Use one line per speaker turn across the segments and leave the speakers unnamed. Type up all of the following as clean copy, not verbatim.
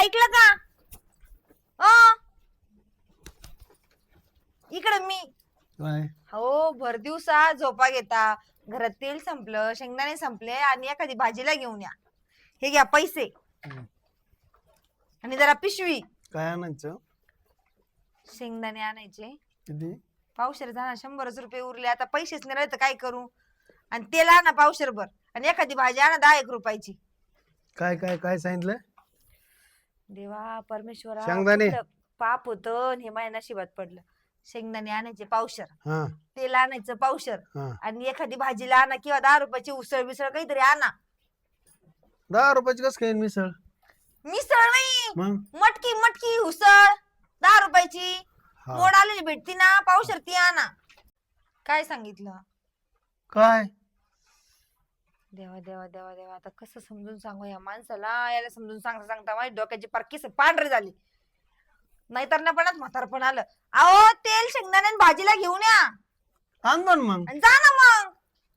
ऐकलं का? इकडे मी
काय
हो भर दिवसा झोपा घेता, घरात तेल संपलं, शेंगदाणे संपले आणि एखादी भाजीला घेऊन या. हे घ्या पैसे आणि जरा पिशवी.
काय आणायचं?
शेंगदाणे आणायचे
किती?
पावशेर जाणार, 100 रुपये उरले. आता पैसेच नाही राहिले तर काय करू? आणि तेल आणा पावशेरभर आणि एखादी भाजी आणा 10 रुपयाची.
काय काय काय सांगितलं?
देवा परमेश्वरा,
शेंगदाणे.
कुठलं पाप होतं आणि हे माझ्या नशिबात पडलं. शेंगदाणे आणायचे पावशेर,
हा
तेल आणायचं पावशेर
हा
आणि एखादी भाजीला आणा किंवा 10 रुपयाची उसळ बिसळ काहीतरी आणा.
10 रुपयाची कस काय मिसळ?
मिसळ नाही,
मग
मटकी मटकी उसळ 10 रुपयाची.
हा.
मोड आलेली भेटती ना, पावशेर ती आणा. काय सांगितलं?
काय
देवा देवा देवा देवा, आता कसं समजून सांगू या माणसाला? याला समजून सांगता सांगता माझी डोक्याची पार केस पांढरी झाली. नाहीतर ना पण म्हातारपण आलं. अहो तेल शेंगदाणे आणि भाजीला घेऊन या
आणतो ना मग.
आणि जा ना मग.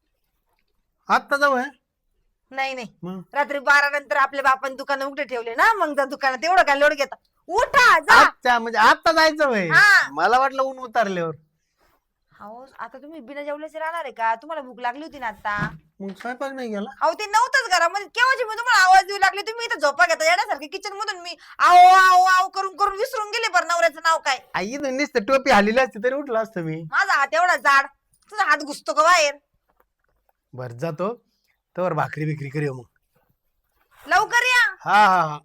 आत्ता जाऊ आहे
नाही नाही,
मग.
रात्री 12 नंतर आपल्या बापान दुकान उघडे ठेवले ना, मग जा दुकानात. एवढं काय लोड घेता? उठा जा.
अच्छा म्हणजे आत्ता जायचं वय.
हा.
मला वाटलं ऊन उतारल्यावर.
अहो आता तुम्ही बिना जेवल्याचे राहणार आहे का? तुम्हाला भूक लागली होती ना आता.
मग स्वयंपाक नाही गेला?
अहो ते नव्हतंच घरामध्ये, केव्हाची मी तुम्हाला आवाज देऊ लागले, तुम्ही इथं झोपा घेता येण्यासारखे किचन मधून. मी आओ आओ आओ करून करून विसरून गेले बरं नवऱ्याचं नाव काय.
आई नुसतं टोपी हल्लेली असते तरी उठला असतं मी.
माझा हात एवढा जाड, तुझा हात घुसतो का बाहेर?
बर जातो तर भाकरी बिकरी करूया मग.
लवकर या.
हा हा हा.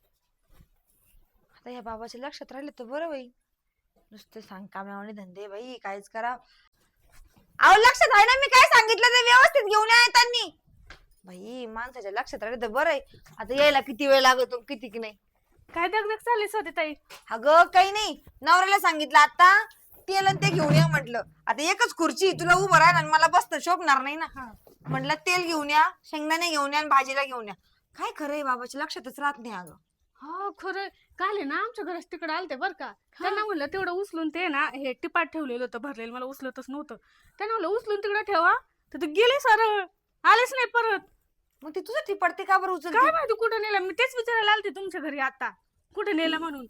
आता या बाबाच्या लक्षात राहिले तर बरं बाई. नुसते सांग कामावणे धंदे बाई, काहीच करा. अहो लक्षात आहे ना मी काय सांगितलं ते व्यवस्थित घेऊन या त्यांनी. बाई माणसाच्या लक्षात राहिले तर बरं आहे. आता यायला किती वेळ लागतो किती की नाही.
काय दगदग चाललीच होती ताई?
अगं काही नाही, नवऱ्याला सांगितलं आता तेल आणि ते घेऊन या म्हटलं. आता एकच खुर्ची तुला उभं राहणार आणि मला बसतं शोभणार नाही ना. म्हटलं तेल घेऊन या, शेंगदाणे घेऊन या आणि भाजीला घेऊन या. काय खरंय बाबाच्या लक्षातच राहत नाही अगं.
हो खरं. काल आहे ना आमच्या घरात तिकडे आलते बर का. त्यांना म्हणलं तेवढं उचलून ते ना हे टिपाट ठेवलेलं होतं भरलेलं, मला उचलतच नव्हतं. त्यांना म्हणलं उचलून तिकडे ठेवा, तर ते गेले सरळ, आलेच नाही परत.
मग ती तुझं ती पडते का बरं उचल?
काय माहिती कुठं नेलं, मी तेच विचारायला आलते तुमच्या घरी आता कुठे नेलं म्हणून.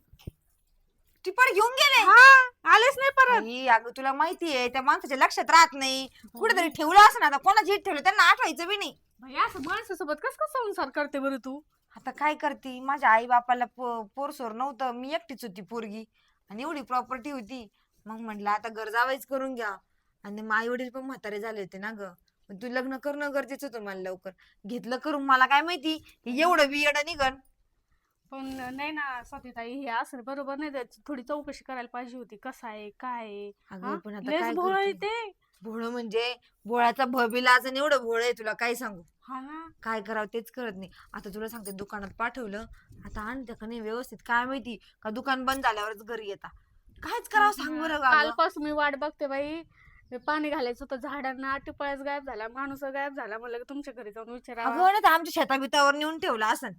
टिपड घेऊन गेले?
हा आलेच नाही परत.
बाई, अगं तुला माहितीये त्या माणसाच्या लक्षात राहत नाही. कुठेतरी ठेवलं असं ना, आता कोणाची ठेवलं त्यांना आठवायचं बी नाही.
भाई असं माणसासोबत कस कसं संसार करते बरं तू?
आता काय करते, माझ्या आई बापाला पोरसोर नव्हतं, मी एकटीच होती पोरगी आणि एवढी प्रॉपर्टी होती. मग म्हटलं आता घर जावायच करून घ्या. आणि मग आई वडील पण म्हातारे झाले होते ना ग. तू लग्न करणं गरजेचं होतं मला. लवकर घेतलं करून, मला काय माहिती एवढं बियड निघन.
पण नाही ना स्वातीताई, हे असं बरोबर नाही. त्याची थोडी चौकशी करायला पाहिजे होती, कसं आहे काय आहे.
अगं पण आता
लयच
काय
भोळ आहे
करते?
ते.
भोळ म्हणजे भोळाचा भबिलाच आणि एवढं भोळ आहे तुला काय सांगू.
हा ना.
काय करावं तेच कळत नाही. आता तुला सांगते दुकानात पाठवलं, आता आणतं का नाही व्यवस्थित काय माहिती, का दुकान बंद झाल्यावरच घरी येता. कायच करावं सांग बरं गावं.
कालपासून मी वाट बघते बाई. मी पाणी घालायचं होतं झाडांना, टिपळ्याच गायब झाला, माणूस गायब झाला. म्हणलं की तुमच्या घरी जाऊन विचारावं.
अगं ना आमच्या शेताबितावर नेऊन ठेवला असन.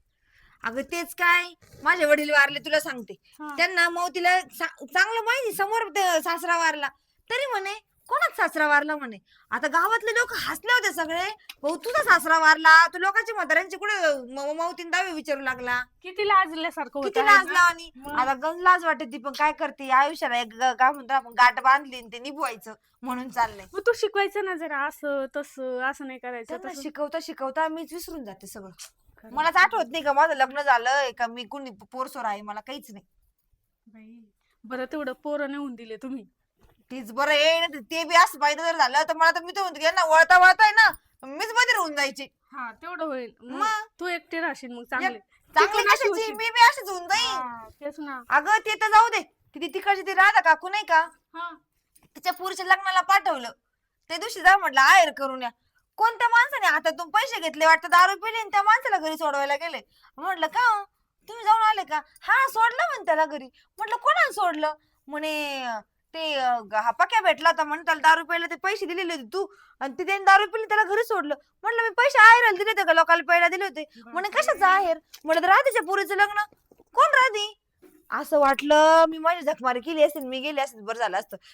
अगं तेच काय, माझे वडील वारले तुला सांगते.
हा.
त्यांना मौतीला चांगलं माहिती, समोर सासरा वारला तरी म्हणे कोणाच सासरा वारला म्हणे. आता गावातले लोक हसले होते सगळे, भाऊ तुझा सासरा वारला, तू लोकांच्या म्हाताऱ्यांची कुठे मौतीन दावे विचारू लागला.
किती लाजल्यासारखं होतं
किती
आहे
लाज
ना?
लावणी.
मग.
आता गंज लाज वाटते ती, पण काय करते आयुष्याला एक काय म्हणतो आपण गाठ बांधली आणि ते निभवायचं म्हणून चाललंय.
मग तू शिकवायचं ना जरा, असं तसं असं नाही करायचं.
त्यांना
तसं.
शिकवता शिकवता मीच विसरून जाते सगळं. मलाच आठवत नाही का माझं लग्न झालंय, का मी कुणी पोरसोर आहे, मला काहीच नाही.
बाई बरं तेवढं पोरं नेऊन दिले तुम्ही.
तीच बरं आहे. ते बी असं पाहिजे जर झालं तर मला तर मी तर म्हणते ना, वळता वळताय ना मीच मध्ये राहून जायची.
हा तेवढं होईल. मग
मग?
तू एकटी राहशील मग चांगले.
चांगली
ती पण अशी
कशाची,
होती.
मी बी अशीच होऊन जाईन.
हा, तेच ना.
अगं ते तर जाऊ दे, किती तिकडची ती राधा काकू नाही का,
हा.
तिच्या पुरीच्या लग्नाला पाठवलं. त्या दिवशी जा म्हटलं आहेर करून या. कोणत्या माणसाने हातातून पैसे घेतले वाटतं, दारू पिली आणि त्या माणसाला घरी सोडवायला गेले. म्हटलं का हो? तुम्ही जाऊन आले का? हा सोडलं म्हणे त्याला घरी. म्हटलं कोणाला सोडलं? म्हणे ते हा पक्या भेटला होता म्हणे, त्याला दारू प्यायला ते पैसे दिलेले होते तू, आणि ते त्याने दारू पिली त्याला घरी सोडलं. म्हटलं मी पैसे आहेराला दिले होते का लोकांना प्यायला दिले होते? म्हणे कशाचं आहेर? म्हटलं राधेच्या पुरीचं लग्न. कोण राधी? असं वाटलं मी माझी झकमारी केली असेल, मी गेली असेल बरं झालं असतं.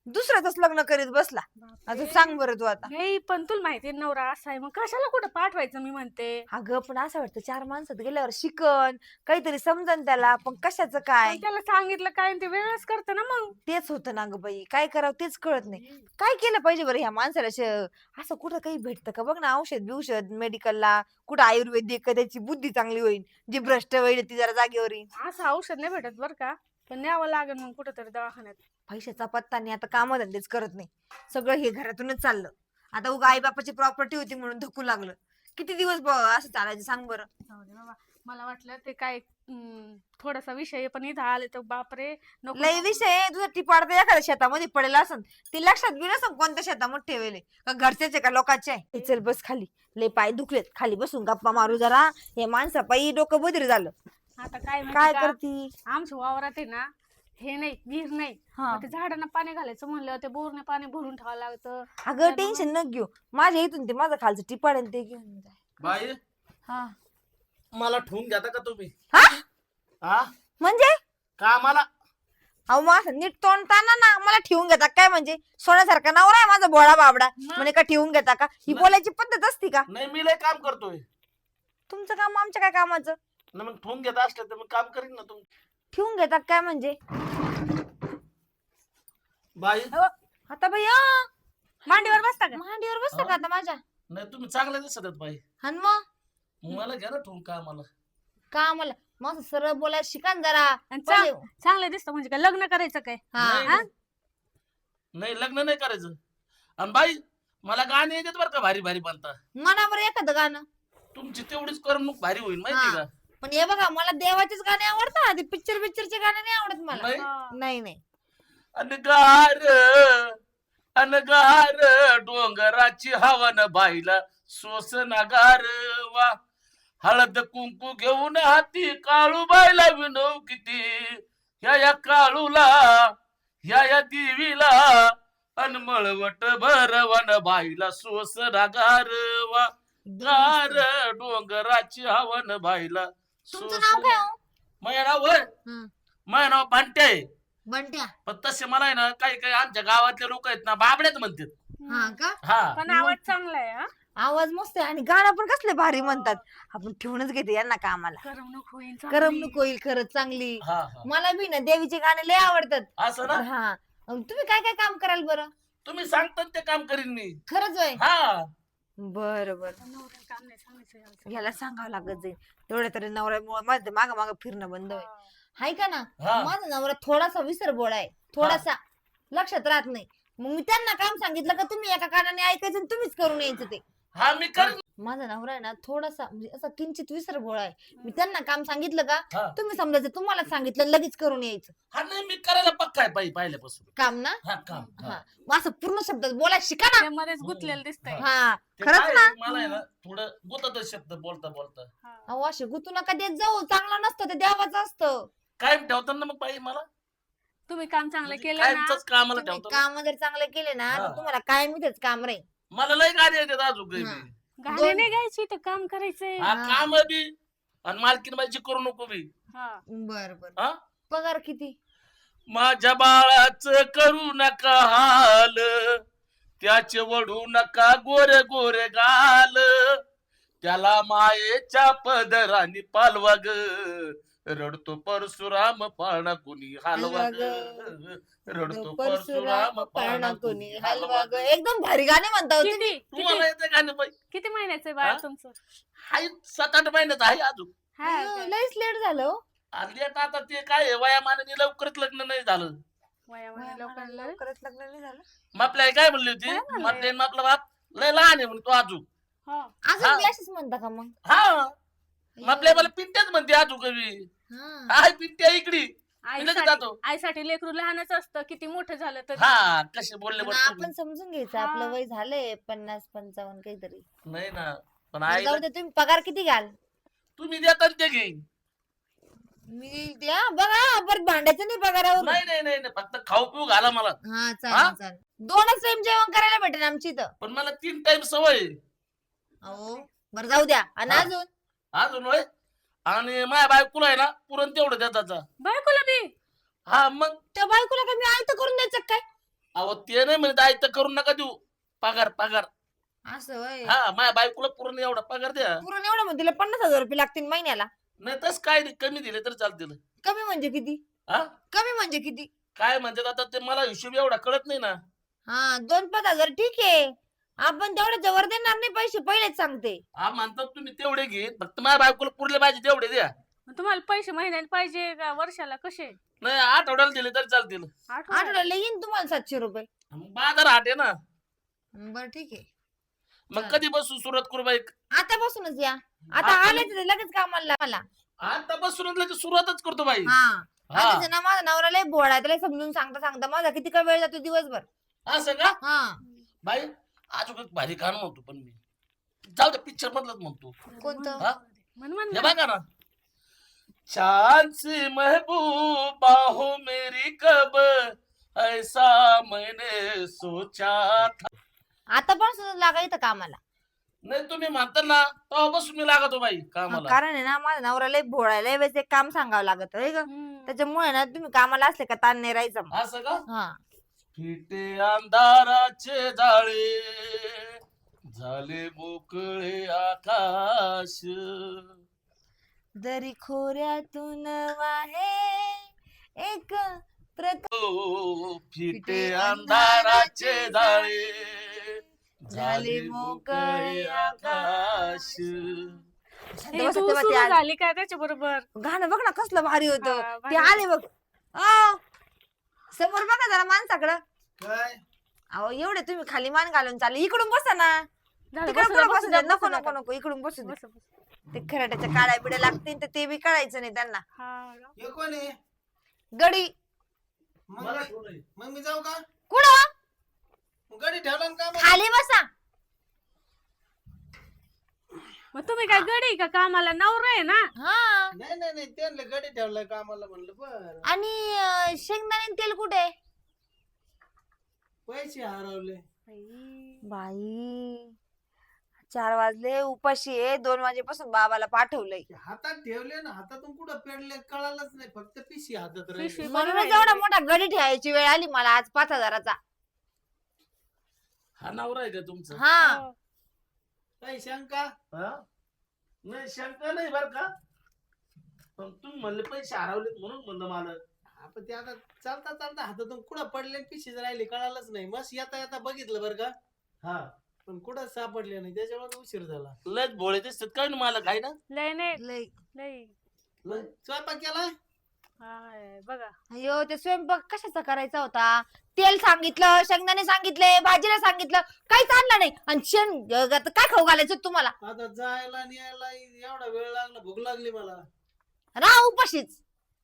दुसऱ्याच लग्न करीत बसला. आता सांग बरं तू आता.
नाही पण तुला माहिती नवरा असा आहे, मग कशाला कुठं पाठवायचं मी म्हणते.
अगं पण असं वाटतं 4 माणसात गेल्यावर शिकन काहीतरी समजन त्याला, पण कशाचं काय
पण त्याला सांगितलं काय आणि ते वेगळंच करतं ना मग.
तेच होतं ना ग बाई, काय करावं तेच कळत नाही. काय केलं पाहिजे बरं ह्या माणसाला? असं कुठं काही भेटतं का बघ ना, औषध बिवषध मेडिकलला, कुठं आयुर्वेदिक का त्याची बुद्धी चांगली होईल, जी भ्रष्ट होईल ती जरा जागेवर येईल.
असं औषध नाही भेटत बरं का, पण न्यावं लागेल मग कुठंतरी दवाखान्यात.
पैशाचा पत्ता नाही, आता कामधंदेच करत नाही, सगळं हे घरातूनच चाललं. आता उगा आई बापाची प्रॉपर्टी होती म्हणून धकू लागलं. किती दिवस असं चालायचं सांग बरं.
जाऊ दे बाबा, मला वाटलं ते काय थोडासा विषय आहे, पण इथं आले तर बापरे नको.
लय विषय आहे, तुझा टिपाड तर एखाद्या शेतामध्ये पडेल असं ते लक्षात बी नसन कोणत्या शेतामध्ये ठेवले, का घरच्याचे का लोकांचे आहे. चल बस खाली, लय पाय दुखलेत, खाली बसून गप्पा मारू जरा. हे माणसा पायी डोकं बधीर झालं.
आता काय माहिती
काय
का,
करती?
आमच्या वावरात आहे ना हे नाही विहीर नाही,
हा.
मग ते झाडांना पाणी घालायचं म्हणलं ते बोरने पाणी भरून ठेवावं लागतं.
अगं टेन्शन न घेऊ, माझ्या इथून ते माझं खालचं टिपाड आहे ते घेऊन जाय.
बाई
हा
मला ठेवून घेता का तुम्ही?
हा
हा
म्हणजे
कामाला
अहो मग असं नीट तोंडताना ना मला ठेवून घेता काय? म्हणजे सोन्यासारखा नवरा आहे माझा बोळा बाबडा, म्हणे का ठेवून घेता का? ही बोलायची पद्धत असती का?
नाही, मी लय काम करतोय
तुमचं काम आमच्या काय कामाचं?
ना, मग ठेवून घेत असलं तर मग काम करीन ना तुम्ही.
ठेवून घेता काय म्हणजे?
बाई
आता बाई
मांडीवर बसता का?
मांडीवर बसता का आता माझ्या?
नाही, तुम्ही चांगल्या दिसत आहेत बाई.
आणि मग
मला घ्या ना ठेवून कामाला.
का आम्हाला मग सरळ बोलायला शिका ना जरा.
आणि
पहिले-
चांगलं दिसतं म्हणजे काय लग्न करायचं काय?
हा.
नाही, नाही. नाही, लग्न नाही करायचं. आणि बाई मला गाणे येतात बरं का, भारी भारी बनता.
म्हणा बरं एखादं गाणं.
तुमची तेवढीच करमणूक भारी होईल माहिती
हा.
का?
पण हे बघा मला देवाचेच गाणे आवडतात, ते पिक्चरचे गाणे नाही आवडत मला.
नाही?
हा.
नाही नाही
अनगार डोंगराची हवन बाईला सोसनागार वा, हळद कुंकू घेऊन हाती काळू बाईला विनव किती, या काळूला या देवीला अनमळवट भरवन बाईला सोसनागार वा, गार डोंगराची हवन बाईला
तुमचं नाव काय हो?
माझं नाव होय,
हं.
माझं नाव भांट्या आहे.
बंट्या.
पण तसे मला आहे ना, काही काही आमच्या गावातले लोक आहेत ना बाबड्यात म्हणतात.
हा का?
हा
पण आवाज चांगला आहे हा.
आवाज मस्त आहे आणि गाणं पण कसले भारी म्हणतात. आपण ठेवूनच घेते यांना कामाला.
करमणूक होईल चांगली.
करमणूक होईल खरंच चांगली.
हा हा.
मला बी ना देवीचे गाणे लय आवडतात.
असं ना,
हा. तुम्ही काय काय काम कराल बरं?
तुम्ही सांगता ते काम करीन मी.
खरंच होय?
हा
बरं बरं.
नवऱ्याला काम नाही सांगायचं याचं.
ह्याला सांगावं लागत जाईल. तेवढ्या तरी नवऱ्यामुळे माझं माग माग फिरणं बंद होईल.
हा.
हाय का ना?
हा.
माझा नवरा थोडासा विसरबोळा आहे, थोडासा लक्षात राहत नाही. मग मी त्यांना काम सांगितलं का तुम्ही एका कानाने ऐकायचं आणि तुम्हीच करून यायचं ते.
हा मी करीन.
माझा नवरा आहे ना थोडासा म्हणजे असा किंचित विसरबोळा आहे. मी त्यांना काम सांगितलं का
हा.
तुम्ही समजायचं तुम्हाला सांगितलं लगेच करून यायचं
हा नाही, मी करायला पक्का आहे पहिल्यापासून.
काम ना.
हा काम.
हा मग असं पूर्ण शब्दात बोलायला शिका ना.
ते मध्येच गुंतलेलं दिसतंय.
हा
ते
खरंच
काय
ना.
आहे, मला आहे ना थोडं गुतत शब्द बोलता बोलता.
हा.
अहो असे गुतू नका देत जाऊ, चांगलं नसतं ते देवाचं असतं.
कायम ठेवताना मग बाई मला
तुम्ही काम चांगलं
म्हणजे
केलं ना.
कायमचंच कामाला
तुम्ही
ठेवतो.
काम जर चांगले केले ना
हा.
तर तुम्हाला कायम इथेच काम राहील.
मला लय गाणी येतात अजून काही
हा.
बी.
गाणे नाही गायची तर काम करायचंय.
हा
हा.
काम बी आणि मालकीन माझी करू नको बी.
हा.
बर बर.
हा
पगार किती?
माझ्या बाळाच करू नका हाल, त्याचे वडू नका गोरे गोरे गाल, त्याला मायेच्या पदराने पालवा ग, रडतो परशुराम पाळणा कुणी हलवा ग, रडतो परशुराम पाळणा कुणी हलवा ग.
एकदम भारी गाणे म्हणता हो तुम्ही.
किती
तुम्हाला येते गाणं बाई?
किती महिन्याचं बाळ
हा?
तुमचं?
हाय 7-8 महिन्यात आहे अजून.
हा
अयो,
काय?
लयच लेट झालं हो.
आणि आता ते काय आहे, वयामानाने लवकरच लग्न नाही झालं.
वयामध्ये लोकांना
लवकरच लग्न नाही झालं.
आपल्या काय म्हणली होती,
काय म्हणले?
आपला बाप लय लहान आहे म्हणतो अजून.
हा.
अजून
हा.
बी अशीच म्हणता का मग?
हा आपल्या मला पिंट्याच म्हणते अजून कवी.
हा.
हाय पिंट्या इकडी. मी लगेच
आईसाठी
जातो.
आईसाठी लेकरू लहानच असतं, किती मोठं झालं तर.
हा कसे बोलले
पण
बरं तुम्ही.
आपण समजून घ्यायचं
हा.
आपलं वय झालंय 50-55 काहीतरी.
नाही ना, पण
बरं,
आई
जाऊ दे तुम्ही पगार किती घाल?
तुम्ही देता ना ते घेईन.
मी द्या बघा परत भांडायचं नाही पगारावर.
नाही नाही नाही नाही, फक्त खाऊ पिऊ घाला मला.
हा
हा?
चालेल चालेल. 2च टाइम जेवण करायला भेटेल आमची इथं.
पण मला 3 टाइम सवय आहे.
अहो बरं जाऊ द्या. आणि
हा.
अजून
अजून होय. आणि माझ्या बायकोला आहे ना पुरण तेवढं देताचा.
बायकोला बी.
हा मग
त्या बायकोला काय मी आयत करून द्यायचं काय?
अहो ते नाही म्हणत आई तर करून नका देऊ. पगार पगार.
असं होय.
हा माझ्या बायकोला पूर्ण एवढा पगार द्या.
पुरण एवढं म्हणजे तिला 50,000 रुपये लागतील महिन्याला.
नाही तस काय नाही, कमी दिले तर चालतील.
कमी म्हणजे किती?
हा
कमी म्हणजे किती?
काय म्हणतात आता ते मला हिशोब एवढा कळत नाही ना.
हा 2-5 हजार ठीक आहे. आपण तेवढे जवळ देणार नाही पैसे, पहिलेच सांगते.
हा म्हणतात तुम्ही तेवढे घे, फक्त माझ्या बायकोला पुरले पाहिजे तेवढे द्या.
मग तुम्हाला पैसे महिन्याला पाहिजे का वर्षाला कसे?
नाही आठवड्याला दिले तर चालतील.
आठवड्याला?
येईन तुम्हाला 700 रुपये.
मग बाजार हाट आहे ना.
बरं ठीक आहे.
मग कधी बसू सुरुवात करू बाईक?
आतापासूनच या. आता
आता
आले तर लगेच कामाला मला.
आता बसून लगेच सुरुवातच करतो बाई.
हा
हा
आधीच ना माझा नवरा लय भोळा आहे, त्याला समजून सांगता सांगता माझा किती का वेळ जातो दिवसभर.
असं का
हा
बाई? अजून एक भारी गाणं म्हणतो पण मी. जाऊ दे पिक्चर मधलंच म्हणतो.
कोणतं?
हा
म्हण
हे बघा ना. चांद सी महबूबा हो मेरी कब ऐसा मैंने सोचा था.
आता पण लागा इथं कामाला.
नाही तुम्ही म्हणता ना तेव्हापासून मी लागतो बाई कामाला.
कारण आहे ना माझा नवरा लय भोळा आहे, लय वेळेस एक काम सांगावं लागत आहे का. त्याच्यामुळे ना तुम्ही कामाला असले का ताण नाही राहायचं मग.
असं का?
हा
फिटे अंधाराचे जाळे झाले मोकळे आकाश.
दरी खोऱ्यातून वाहे एक
ओ, फिटे अंधाराचे जाळे झाले मोकळे आकाश.
झाली काय त्याच्या बरोबर?
गाणं बघ ना कसलं भारी होतं.
हा,
ते
भारी.
आले बघ. अहो, समोर बघा जरा माणसाकडं.
काय
अहो एवढे तुम्ही खाली मान घालून चालले, इकडून बसा ना.
झालं,
तिकडे
बसू
कुठं
द्या,
बसू द्या. नको
बसू द्या.
नको नको इकडून बसू दे.
बस, बस.
ते खराट्याच्या काळ्या बिड्या लागतील तर ते बी कळायचं नाही त्यांना.
हा.
हे कोण आहे?
गडी
मग
मला
मी-
ठेवू नये.
मग मी जाऊ का?
कुठं?
गाडी ठेवला ना का मग?
खाली बसा.
मग तुम्ही काय गडी का कामाला? नवरा आहे ना.
हा
नाही नाही नाही त्यांना गाडी ठेवलाय कामाला म्हणलं बर.
आणि शेंगदाणे तेल कुठे?
पैसे हरवले.
बाई 4 वाजले, उपाशी आहे. 2 वाजेपासून बाबाला पाठवलंय.
ते हातात ठेवले ना, हातातून कुठं पेडले कळालंच नाही, फक्त पिशी हातात
पिशवी
राहिली.
पण
म्हणूनच
राहिली.
एवढा मोठा गडी ठेवायची वेळ आली मला आज 5,000चा.
हा नवरा आहे का तुमचा?
हा
हो.
काही शंका?
हा? नाही शंका नाही बर का, पण तुम्ही म्हणले पैसे हरवलेत म्हणून म्हणलं मला.
आपण ते आता चालता चालता हातातून कुठं पडले पिशीच राहिली कळालंच नाही. मस्त येता येता बघितलं बरं का,
हा
पण कुठं सापडले नाही, त्याच्यामुळे उशीर झाला.
लयच भोळे दिसतात काय ना मला काय ना.
लय नाही
लय.
लय.
स्वयंपाक केलाय?
हाय, बघा.
अयो ते स्वयंपाक कशाचा करायचा होता? तेल सांगितलं, शेंगदाणे सांगितले, भाजीला सांगितलं, काहीच आणलं नाही. आणि आता काय खाऊ घालायचं तुम्हाला?
आता जायला आणि यायला एवढा वेळ लागला, भूक लागली मला.
राहा उपाशीच.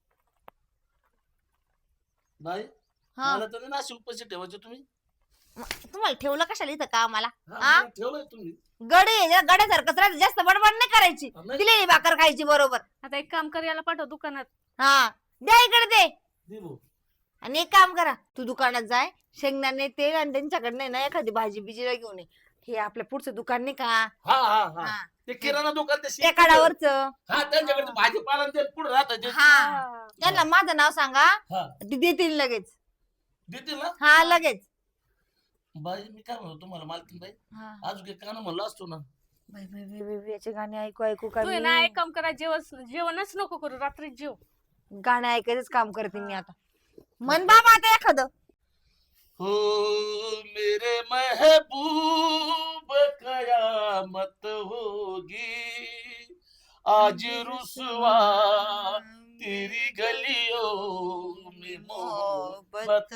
बाई
हा
मला तर ना पैसे ठेवायचे तुम्ही.
तुम्हाला ठेवलं कशाला इथं कामाला?
हा,
हा?
मला ठेवलंय तुम्ही.
गड्यासारखंच राहायचं, जास्त बडबड नाही करायची.
नाही.
दिलेली भाकर खायची बरोबर.
आता एक काम कर, याला पाठव दुकानात.
हा द्या इकडे दे.
दे भाऊ.
आणि एक काम करा, तू दुकानात जाय, शेंगदाणे तेल आणि त्यांच्याकडे ना एखादी भाजी बिजीला घेऊन ये. हे आपल्या पुढचं दुकान नाही का?
हा हा हा
हा.
ते किराणा दुकान ते
त्या
शेती-
काढावरच.
हा त्यांच्याकडे भाजीपाला ते पुढे राहतात ते.
हा त्यांना माझं नाव सांगा,
हा
ते देतील लगेच.
देतील ना.
हा लगेच.
बाई मी काय म्हणतो तुम्हाला मालकीन बाई,
हा.
अजून एक गाणं म्हणलं असतो ना.
बाई, बाई, बाई, बाई, बाई, याचे गाणे ऐकू ऐकू का
तू आहे
मी?
ना, एक काम करा, जेवणच नको करू, रात्री जेव.
गाणे ऐकायचंच काम करते मी आता. मन बाबा आता एखादं.
हो मेरे महबूब कयामत होगी आज रुसवा तेरी गलियों में मोहब्बत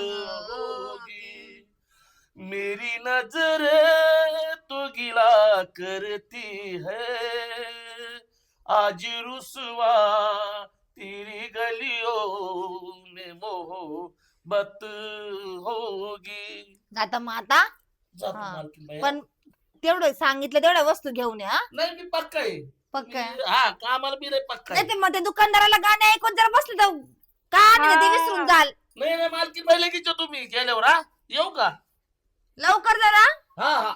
होगी मेरी नजर तो गिला करती है आज रुसवा तेरी गलियों में मोहब्बत होगी.
आता मग आता
जातो
हा.
मालकीन बाई.
पण तेवढं सांगितलं तेवढ्या वस्तू घेऊन या.
नाही मी पक्का आहे.
पक्का आहे.
मी- हा कामाला मी नाही पक्का आहे.
नाही ते मग ते दुकानदाराला गाणे ऐकून जर बसले तर का ते विसरून जाल.
नाही नाही मालकीन बाई लगेच येतो तुम्ही गेल्यावर. हा येऊ का?
लवकर जरा.
हा हा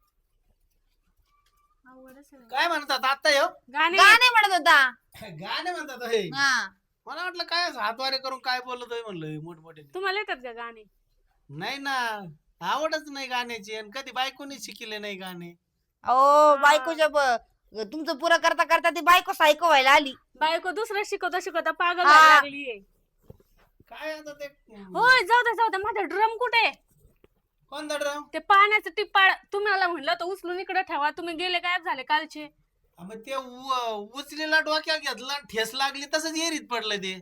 काय म्हणतात आता येऊ?
गाणे
गाणे म्हणत होता.
गाणे म्हणतात हे.
हा
मला वाटलं काय हातवारे करून काय बोलत आहे म्हणलं मोठमोठे.
तुम्हाला येतात का गाणे?
नाही ना, आवडच नाही गाण्याची आणि कधी बायकोनी शिकले नाही गाणे.
अहो बायकोच्या तुमचं पुरं करता करता ती बायको सायको व्हायला आली.
बायको दुसरं शिकवता शिकवता पागल
हा.
व्हायला लागलीये.
काय आता ते
होय जाऊ दे माझा ड्रम कुठे?
कोणता ड्रम?
ते पाण्याचं टिप्पाळ तुम्हाला म्हणलं तर उचलून इकडे ठेवा, तुम्ही गेले गायब झाले कालचे.
मग ते उचलेला डोक्यात घेतला आणि ठेस लागली तसंच एरीत पडलं ते.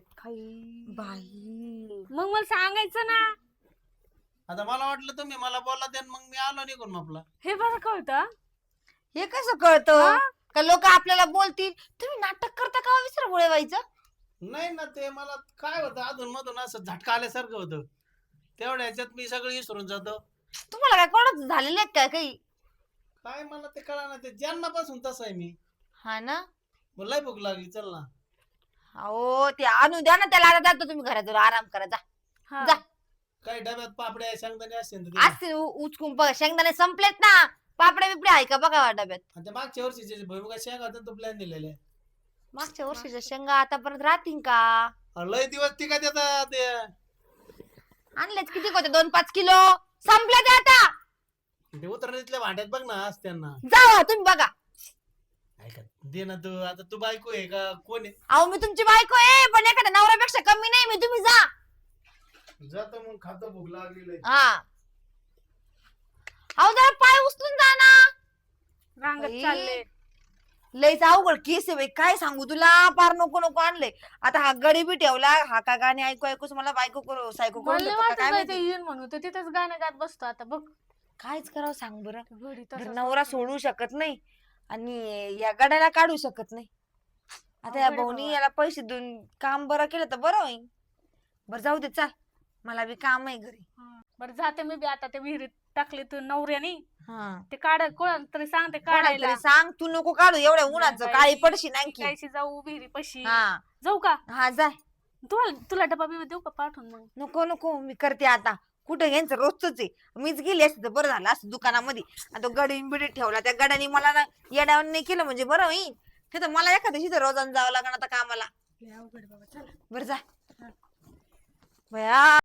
बाई
मग मला सांगायचं ना.
आता मला वाटलं तुम्ही मला बोलला ते मग मी आलो निघून आपला.
हे बरं कळतं.
हे कसं कळतं
हा?
का लोक आपल्याला बोलतील तुम्ही नाटक करता का विसर व्हायचं.
नाही ना, ते मला काय होतं अधून मधून असं झटका आल्यासारखं होतं. तेवढ्या ह्याच्यात मी सगळं विसरून जातो.
तुम्हाला काय कोणाच झालेलं आहे काय काही?
काय मला ते कळा ना, ते जन्मापासून तसं आहे मी.
हा ना.
मला लय भूक लागली, चल ना.
अहो ते आणून द्या ना त्याला. आता जातो तुम्ही घरात आराम करा जा.
हा.
जा.
काही डब्यात पापड्या शेंगदाणे असतील तर दे.
असते उचकून बघा शेंगदाणे संपलेत ना. पापड्या बिपड्या आहे का बघा डब्यात.
आणि ते मागच्या वर्षीचे भुईमुगा शेंगा होत्या तो प्लॅन दिलेले.
मागच्या वर्षीच्या शेंगा आतापर्यंत राहतील का?
लय दिवस ती काय देतात ते.
आणलेच किती होते 2-5 किलो. संपले ते आता.
ते उतरणीतल्या भांड्यात बघ ना असत्यांना.
जावा तुम्ही बघा.
ऐका दे ना तू. आता तू बायको आहे का कोण आहे?
अहो मी तुमची बायको आहे पण एखाद्या नवऱ्यापेक्षा कमी नाही मी. तुम्ही जा.
जातो मग, खातो, भूक लागली.
हा. अहो जरा पाय उचलून जा ना.
रांगत
बाई.
चालले.
लयच अवघड केस आहे बाई. काय सांगू तुला. पार नको नको आणले. आता हा गडी बी ठेवला. हा का गाणे ऐकू ऐकूच मला बायको करू सायको करून
मला
देतो का
वाटत
काय
बाई ते
माहिती.
येईन म्हणून तर तिथेच गाणं गात बसतो आता बघ.
कायच करावं सांग बरं.
घडी
तर
तसंच
नवरा
करतो.
सोडू शकत नाही आणि या गड्याला काढू शकत नाही. आता या
अवघड आहे
भाऊनी
बाबा.
याला पैसे देऊन काम बरं केलं तर बरं होईल. बरं जाऊ दे चाल. मला बी काम आहे घरी.
हा. बरं जाते मी बी आता ते विहिरीत टाकले तू नवऱ्याने.
हा.
ते काढ कोण तरी सांगते
कोणाला
काढायला.
तरी सांग. तू नको काढू एवढ्या उन्हाचं.
बाई,
काळी पडशी आणखी.
कायशी जाऊ विहिरी पशी.
हा
जाऊ का?
हा जाय.
तुला डबा बिबा देऊ का पाठवून मग?
नको नको मी करते आता. कुठं यांचं रोजच आहे. मीच गेली असते तर बरं झालं असं दुकानामध्ये. आणि तो गडी बिडी ठेवला त्या गड्याने मला ना येड्यावर नाही केलं म्हणजे बरं होईल. ते तर मला एखाद्या दिवशी रोजानं जावं लागणार आता कामाला.
लय अवघड बाबा चला.
बरं जा. बया